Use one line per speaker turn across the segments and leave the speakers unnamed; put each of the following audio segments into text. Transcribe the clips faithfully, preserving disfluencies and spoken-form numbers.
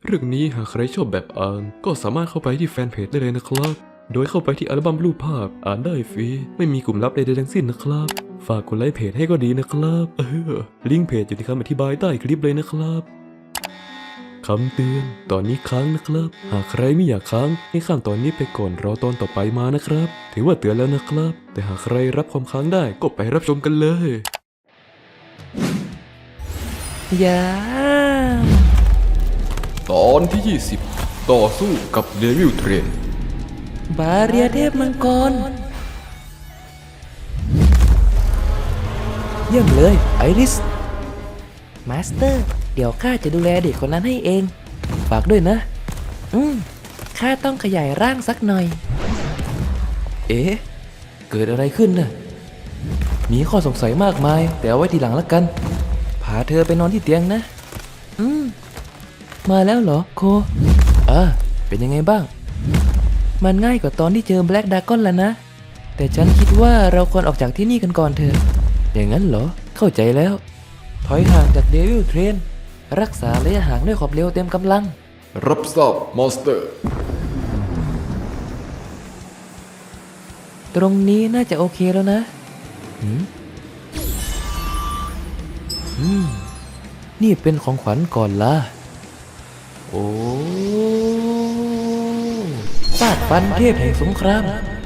เรื่องนี้หากใครชอบแบบอ่านก็สามารถเข้าไปที่แฟนเพจได้เลยนะครับโดยเข้าไปที่อัลบั้มรูปภาพอ่านได้ฟรีไม่มีกลุ่มลับใดๆทั้งสิ้นนะครับฝากกดไลค์เพจให้ก็ดีนะครับเออลิงก์เพจอยู่ในคำอธิบายใต้คลิปเลยนะครับคำเตือนตอนนี้ค้างนะครับหากใครไม่อยากค้างให้ข้ามตอนนี้ไปก่อนรอตอนต่อไปมานะครับถือว่าเตือนแล้วนะครับแต่หากใครรับความค้างได้ก็ไปรับชมกันเลย
ยา
ตอนที่ยี่สิบต่อสู้กับเดวิลเทรน
บาเรียเทพมังกรเยี่ยมเลยไอริสมาสเตอร์เดี๋ยวข้าจะดูแลเด็กคนนั้นให้เองฝากด้วยนะอืมข้าต้องขยายร่างสักหน่อย เอ๊ะเกิดอะไรขึ้นน่ะมีข้อสงสัยมากมายแต่เอาไว้ทีหลังละกันพาเธอไปนอนที่เตียงนะอืมมาแล้วเหรอโคอ่าเป็นยังไงบ้างมันง่ายกว่าตอนที่เจอแบล็กดากอนแล้วนะแต่ฉันคิดว่าเราควรออกจากที่นี่กันก่อนเถอะอย่างนั้นเหรอเข้าใจแล้วถอยห่างจากเดวิลเทรนรักษาระยะห่างด้วยขอบเร็วเต็มกำลัง
รับทราบมอสเตอร์
ตรงนี้น่าจะโอเคแล้วนะหืมอืมนี่เป็นของขวัญก่อนล่ะโอ้ฟาดฟันเทพแห่งสงคราม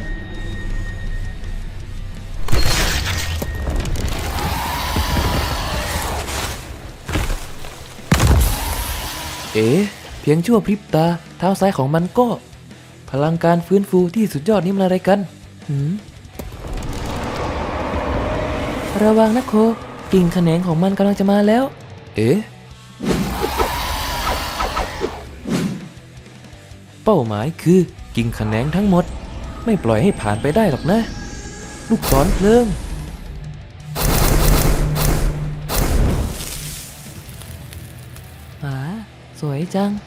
เอ๋เพียงชั่วพริบตาเท้าซ้ายของมันก็พลังการฟื้นฟูที่สุดยอดนี่มันอะไรกันหืมระวังนะโคกิ่งแขนงของมันกำลังจะมาแล้วเอ๋เป้าหมายคือกิ่งแขนงทั้งหมดไม่ปล่อยให้ผ่านไปได้หรอกนะลูกศรเพลิงอ่าสวยจัง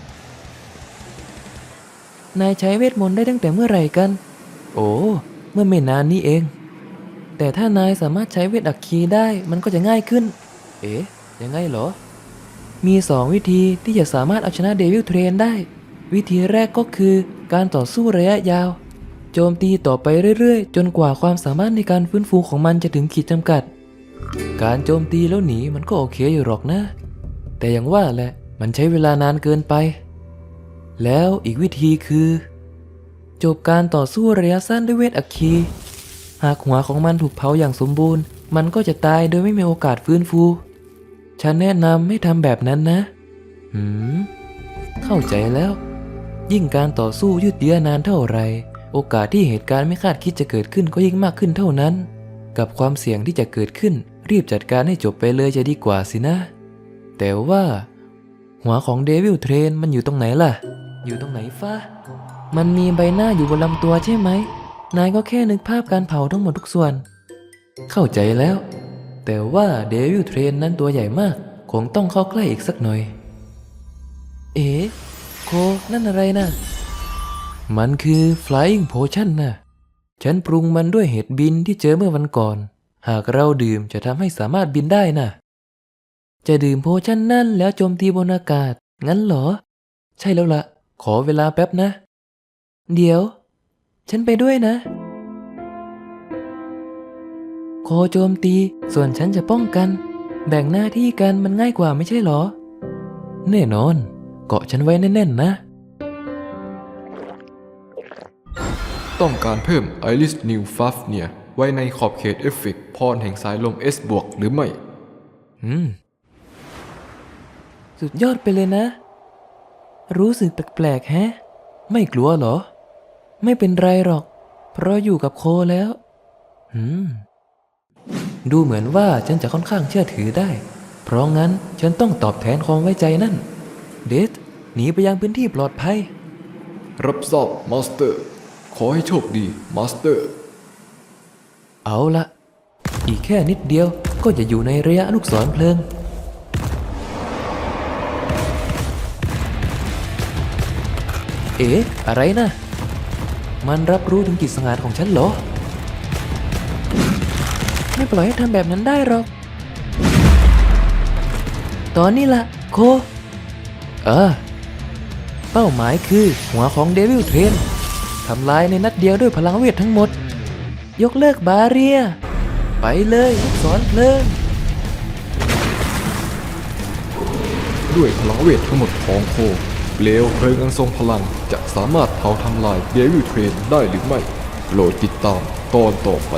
นายใช้เวทมนต์ได้ตั้งแต่เมื่อไหร่กันโอ้เมื่อไม่นานนี้เองแต่ถ้านายสามารถใช้เวทอัคคีได้มันก็จะง่ายขึ้นเอ๊ะยังไงเหรอมีสองวิธีที่จะสามารถเอาชนะเดวิลเทรนได้วิธีแรกก็คือการต่อสู้ระยะยาวโจมตีต่อไปเรื่อยๆจนกว่าความสามารถในการฟื้นฟูของมันจะถึงขีดจำกัดการโจมตีแล้วหนีมันก็โอเคอยู่หรอกนะแต่อย่างว่าแหละมันใช้เวลานานเกินไปแล้วอีกวิธีคือจบการต่อสู้ระยะสั้นด้วยเวทอัคคีหากหัวของมันถูกเผาอย่างสมบูรณ์มันก็จะตายโดยไม่มีโอกาสฟื้นฟูฉันแนะนำให้ทำแบบนั้นนะหืมเข้าใจแล้วยิ่งการต่อสู้ยืดเยื้อนานเท่าไรโอกาสที่เหตุการณ์ไม่คาดคิดจะเกิดขึ้นก็ยิ่งมากขึ้นเท่านั้นกับความเสี่ยงที่จะเกิดขึ้นรีบจัดการให้จบไปเลยจะดีกว่าสินะแต่ว่าหัวของเดวิลเทรนมันอยู่ตรงไหนล่ะอยู่ตรงไหนฟ้ามันมีใบหน้าอยู่บนลำตัวใช่ไหมนายก็แค่นึกภาพการเผาทั้งหมดทุกส่วนเข้าใจแล้วแต่ว่าเดวิลเทรนนั้นตัวใหญ่มากคงต้องเข้าใกล้อีกสักหน่อยเอ๋โคนั่นอะไรนะมันคือ Flying Potion นะฉันปรุงมันด้วยเห็ดบินที่เจอเมื่อวันก่อนหากเราดื่มจะทำให้สามารถบินได้นะจะดื่มโพชั่นนั่นแล้วโจมตีบนอากาศงั้นเหรอใช่แล้วละขอเวลาแป๊บนะเดี๋ยวฉันไปด้วยนะโคโจมตีส่วนฉันจะป้องกันแบ่งหน้าที่กันมันง่ายกว่าไม่ใช่หรอแน่นอนเกาะฉันไว้แน่นๆนะ
ต้องการเพิ่มไอริสนิวฟัฟเนี่ยไว้ในขอบเขตเอฟเฟกต์พรแห่งสายลม S บวกหรือไม่
อืมสุดยอดไปเลยนะรู้สึกแปลกๆแฮะไม่กลัวเหรอไม่เป็นไรหรอกเพราะอยู่กับโคแล้วอืมดูเหมือนว่าฉันจะค่อนข้างเชื่อถือได้เพราะงั้นฉันต้องตอบแทนความไว้ใจนั่นเดธหนีไปยังพื้นที่ปลอดภัย
รับทราบมาสเตอร์ขอให้โชคดีมาสเตอร์
เอาละอีกแค่นิดเดียวก็จะอยู่ในระยะลูกศรเพลิงเอ๊ะอะไรนะมันรับรู้ถึงกิจสังหารของฉันเหรอไม่ปล่อยให้ทำแบบนั้นได้หรอกตอนนี้ล่ะโคเออเป้าหมายคือหัวของเดวิลเทรนทำลายในนัดเดียวด้วยพลังเวททั้งหมด ยกเลิกบาเรีย ไปเลยลูกศรเพลิง
ด้วยพลังเวททั้งหมดของโคเปลวเพลิงอันทรงพลังจะสามารถเผาทำลายเดวิลเทรนได้หรือไม่โปรดติดตามตอนต่อไป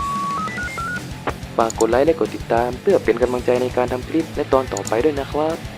ฝากกดไลค์และกดติดตามเพื่อเป็นกำลังใจในการทำคลิปและตอนต่อไปด้วยนะครับ